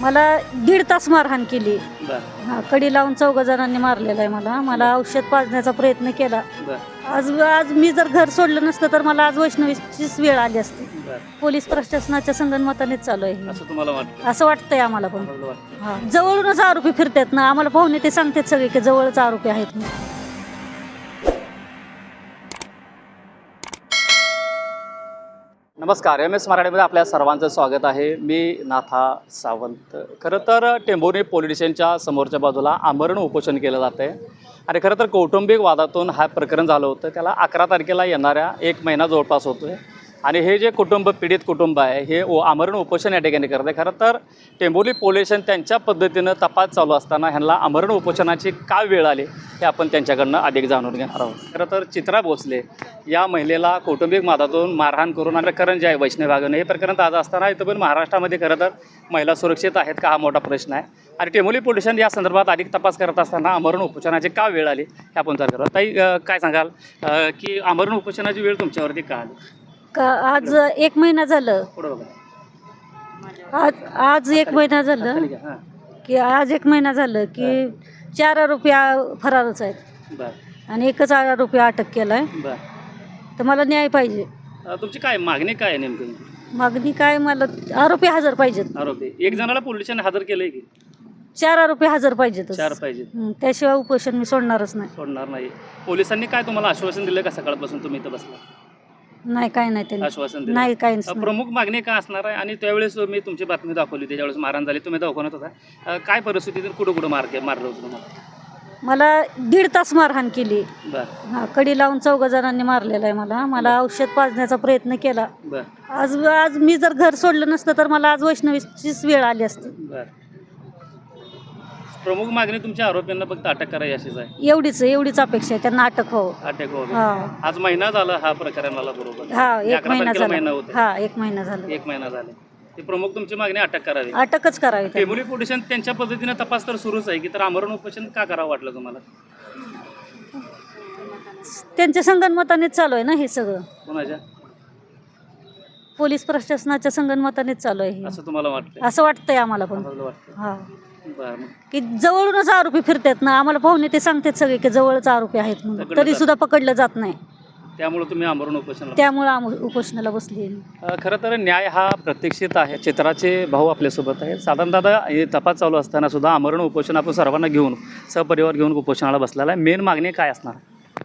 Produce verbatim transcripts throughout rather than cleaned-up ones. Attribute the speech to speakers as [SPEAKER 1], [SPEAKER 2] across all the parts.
[SPEAKER 1] मला दीड तास मारहाण केली.
[SPEAKER 2] बर
[SPEAKER 1] हा कडी लावून चौघ जणांनी मारलेला आहे मला. मला औषध पाजण्याचा प्रयत्न केला.
[SPEAKER 2] बर
[SPEAKER 1] आज आज मी जर घर सोडलं नसतं तर मला आज वैष्णवीचीच वेळ आली असती.
[SPEAKER 2] बर
[SPEAKER 1] पोलीस प्रशासनाच्या संगनमतानेच चालू आहे हे.
[SPEAKER 2] असं तुम्हाला वाटतं?
[SPEAKER 1] असं वाटतंय आम्हाला पण.
[SPEAKER 2] आम्हाला वाटतं.
[SPEAKER 1] हा जवळूनच आरोपी फिरतात ना, आम्हाला पाहुणे ते सांगतात सगळे की जवळच आरोपी आहेत म्हणून.
[SPEAKER 2] नमस्कार, एम एस मराठीमध्ये आपल्या सर्वांचं स्वागत आहे. मी नाथा सावंत. खरं तर टेंभुर्णी पोलीस स्टेशनच्या समोरच्या बाजूला आमरण उपोषण केलं जातं आहे आणि खरं तर कौटुंबिक वादातून हा प्रकरण झालं होतं. त्याला अकरा तारखेला येणाऱ्या एक महिना जवळपास होतो आहे आणि हे जे कुटुंब पीडित कुटुंब आहे हे ओ आमरण उपोषण या ठिकाणी करत आहे. खरं तर टेंभुर्णी पोलीस स्टेशन त्यांच्या पद्धतीनं तपास चालू असताना ह्यांना आमरण उपोषणाची का वेळ आली हे आपण त्यांच्याकडनं अधिक जाणून घेणार आहोत. खरं तर चित्रा भोसले या महिलेला कौटुंबिक वादातून मारहाण करून आणि प्रकरण जे आहे वैष्णवी भागानं हे प्रकरण ताजं असताना इथं पण महाराष्ट्रामध्ये खरं तर महिला सुरक्षित आहेत का हा मोठा प्रश्न आहे आणि टेंभुर्णी पोलीस स्टेशन या संदर्भात अधिक तपास करत असताना आमरण उपोषणाची का वेळ आली हे आपण विचार करतो. ताई अ, काय सांगाल अ, की आमरण उपोषणाची वेळ तुमच्यावरती का आली?
[SPEAKER 1] का आज एक महिना झालं.
[SPEAKER 2] पुढं बघा.
[SPEAKER 1] आज आज एक महिना झालं
[SPEAKER 2] खाली घ्या. हां
[SPEAKER 1] की आज एक महिना झालं की चार आरोपी आ- फरारच आहेत
[SPEAKER 2] बरं
[SPEAKER 1] आणि एकच आरोपी अटक केला आहे.
[SPEAKER 2] बरं.
[SPEAKER 1] तर मला न्याय पाहिजे.
[SPEAKER 2] अ, तुमची काय मागणी काय आहे नेमकी?
[SPEAKER 1] मागणी काय, मला आरोपी हजर पाहिजेत.
[SPEAKER 2] आरोपी एक जणाला पोलीस स्टेशन हजर केलंय की
[SPEAKER 1] चार आरोपी हजर पाहिजेत.
[SPEAKER 2] चार पाहिजे.
[SPEAKER 1] त्याशिवाय उपोषण मी सोडणारच नाही.
[SPEAKER 2] सोडणार नाही. पोलिसांनी काय तुम्हाला आश्वासन दिलं का सकाळपासून तुम्ही इथं बसला?
[SPEAKER 1] नाही काय नाही त्यांनी
[SPEAKER 2] आश्वासन दिलं
[SPEAKER 1] नाही काय
[SPEAKER 2] अ, प्रमुख मागणी काय असणार आहे? आणि त्यावेळेस मी तुमची बातमी दाखवली होती ज्यावेळेस मारहाण झाली तुम्ही दाखवण्यात होता. अ, काय परिस्थितीतून कुठं कुठं मार मारलं होतं तुम्हाला?
[SPEAKER 1] मला दीड तास मारहाण केली.
[SPEAKER 2] बरं
[SPEAKER 1] हा कडी लावून चौघ जणांनी मारलेला आहे मला. मला औषध पाजण्याचा प्रयत्न केला.
[SPEAKER 2] बरं
[SPEAKER 1] आज आज मी जर घर सोडलं नसतं तर मला आज वैष्णवीचीच वेळ आली असती.
[SPEAKER 2] बरं. प्रमुख मागणी तुमच्या आरोपींना फक्त अटक करायची अशीच आहे?
[SPEAKER 1] एवढीच एवढीच अपेक्षा आहे, त्यांना अटक व्हावं.
[SPEAKER 2] अटक वगैरे.
[SPEAKER 1] हा
[SPEAKER 2] आज महिना झाला हा प्रकरणाला बरोबर.
[SPEAKER 1] हा एक
[SPEAKER 2] अकरा
[SPEAKER 1] महिना
[SPEAKER 2] तारखेला
[SPEAKER 1] झाला.
[SPEAKER 2] महिना होता.
[SPEAKER 1] हा एक महिना झाला.
[SPEAKER 2] एक महिना झाले. ती प्रमुख तुमची मागणी अटक करावी.
[SPEAKER 1] अटकच करावी त्यांना.
[SPEAKER 2] टेंभुर्णी पोलीस स्टेशन त्यांच्या पद्धतीने तपास तर सुरूच आहे की तर आमरण उपोषण का करावं वाटलं तुम्हाला?
[SPEAKER 1] त्यांच्या संगनमतानेच चालू आहे ना हे सगळं.
[SPEAKER 2] कोणाच्या?
[SPEAKER 1] पोलीस प्रशासनाच्या संगनमतानेच चालू आहे हे.
[SPEAKER 2] असं तुम्हाला वाटतं?
[SPEAKER 1] असं वाटतंय आम्हाला पण.
[SPEAKER 2] आम्हाला वाटतं.
[SPEAKER 1] हा
[SPEAKER 2] बरं मग
[SPEAKER 1] की जवळूनच आरोपी फिरतात ना, आम्हाला पाहुणे ते सांगतात सगळे की जवळच आरोपी आहेत म्हणून.
[SPEAKER 2] पकडलं
[SPEAKER 1] तरी
[SPEAKER 2] जात
[SPEAKER 1] सुद्धा पकडलं जात नाही.
[SPEAKER 2] त्यामुळे तुम्ही आमरण उपोषण.
[SPEAKER 1] त्यामुळे आम्ही उपोषणाला बसली.
[SPEAKER 2] खरं तर न्याय हा प्रतीक्षित आहे. चित्राचे भाऊ आपल्यासोबत आहेत. साधारण दादा हे तपास चालू असताना सुद्धा आमरण उपोषण आपण सर्वांना घेऊन सहपरिवार घेऊन उपोषणाला बसलेला आहे. मेन मागणी काय असणार?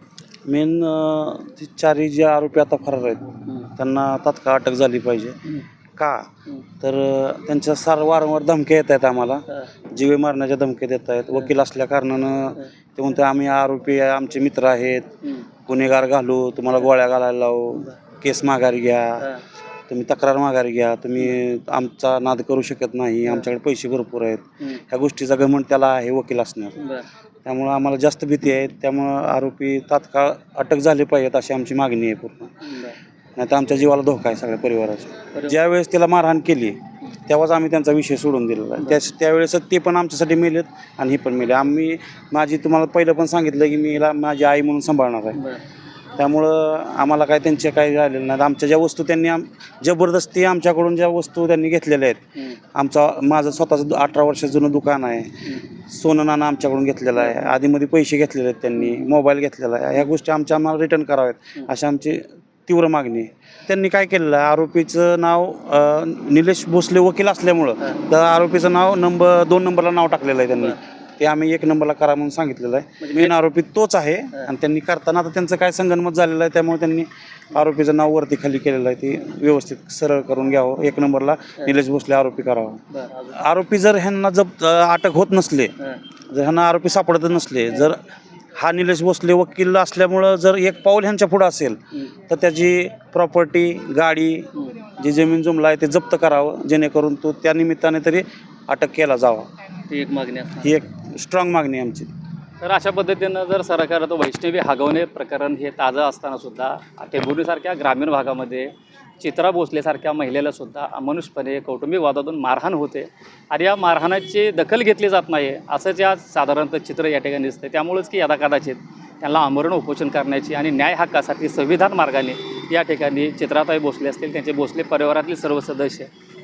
[SPEAKER 3] मेन ती चारही जे आरोपी आता फरार आहेत त्यांना तात्काळ अटक झाली पाहिजे. का तर अ, त्यांच्या सार वारंवार धमक्या येत आहेत आम्हाला. जीवे मारण्याच्या धमक्या देत आहेत. वकील असल्या कारणानं ते म्हणते आम्ही आरोपी आमचे मित्र आहेत, गुन्हेगार घालू, तुम्हाला गोळ्या घालायला लावू, केस माघारी घ्या, तुम्ही तक्रार माघारी घ्या, तुम्ही आमचा नाद करू शकत नाही, आमच्याकडे पैसे भरपूर आहेत. ह्या गोष्टीचा घमंड त्याला आहे वकील असण्यात. त्यामुळं आम्हाला जास्त भीती आहे. त्यामुळं आरोपी तात्काळ अटक झाले पाहिजेत अशी आमची मागणी आहे पूर्ण. नाही तर आमच्या जीवाला धोका आहे सगळ्या परिवाराचा. ज्यावेळेस तिला मारहाण केली तेव्हाच आम्ही त्यांचा विषय सोडून दिलेला आहे. त्या त्यावेळेस ते पण आमच्यासाठी मेलेत आणि हे पण मेले. आम्ही माझी तुम्हाला पहिलं पण सांगितलं की मी हिला माझी आई म्हणून सांभाळणार आहे. त्यामुळं आम्हाला काय त्यांचे काही राहिलेलं नाही. आमच्या ज्या वस्तू त्यांनी आम जबरदस्ती आमच्याकडून ज्या वस्तू त्यांनी घेतलेल्या आहेत, आमचा माझं स्वतःचं अठरा वर्ष जुनं दुकान आहे, सोनं नाणं आमच्याकडून घेतलेलं आहे, आधीमध्ये पैसे घेतलेले आहेत त्यांनी, मोबाईल घेतलेला आहे, ह्या गोष्टी आमच्या आम्हाला रिटर्न कराव्यात अशी आमची तीव्र मागणी आहे. त्यांनी काय केलेलं आहे, आरोपीचं नाव अ, निलेश भोसले वकील असल्यामुळं तर आरोपीचं नाव नंबर दोन नंबरला नाव टाकलेलं आहे त्यांनी. ते आम्ही एक नंबरला करा म्हणून सांगितलेलं आहे. मेन आरोपी तोच आहे आणि त्यांनी करताना आता त्यांचं काय संगनमत झालेलं आहे त्यामुळे त्यांनी आरोपीचं नाव वरती खाली केलेलं आहे. ते व्यवस्थित सरळ करून घ्यावं, एक नंबरला निलेश भोसले आरोपी करावा. आरोपी जर ह्यांना जप अटक होत नसले, जर ह्यांना आरोपी सापडत नसले, जर हा निलेश भोसले वकील असल्यामुळं जर एक पाऊल ह्यांच्या पुढं असेल तर त्याची प्रॉपर्टी, गाडी, जी जमीन जुमला आहे ते जप्त करावं, जेणेकरून तो त्या निमित्ताने तरी अटक केला जावा.
[SPEAKER 2] ही एक मागणी असणार.
[SPEAKER 3] ही एक स्ट्रॉंग मागणी आहे आमची.
[SPEAKER 2] तर अशा पद्धतीनं जर सरकारचं वैष्णवी हगवणे प्रकरण हे ताजं असताना सुद्धा टेंभुर्णीसारख्या ग्रामीण भागामध्ये चित्रा भोसलेसारख्या महिलेला सुद्धा अमानुषपणे कौटुंबिक वादातून मारहाण होते आणि या मारहाणाची दखल घेतली जात नाही असंच या साधारणतः चित्र या ठिकाणी दिसतं. त्यामुळेच की यदा कदाचित त्यांना आमरण उपोषण करण्याची आणि न्याय हक्कासाठी संविधान मार्गाने या ठिकाणी चित्राताई भोसले असतील, त्यांचे भोसले परिवारातील सर्व सदस्य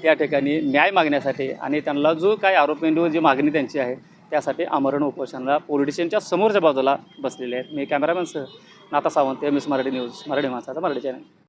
[SPEAKER 2] या ठिकाणी न्याय मागण्यासाठी आणि त्यांना जो काय आरोपींवर जी मागणी त्यांची आहे त्यासाठी आमरण उपोषणाला पोलीस स्टेशनच्या समोरच्या बाजूला बसलेले आहेत. मी कॅमेरामॅन सह Natha Sawant, M S Marathi news, Marathi माणसाचा मराठी चॅनल.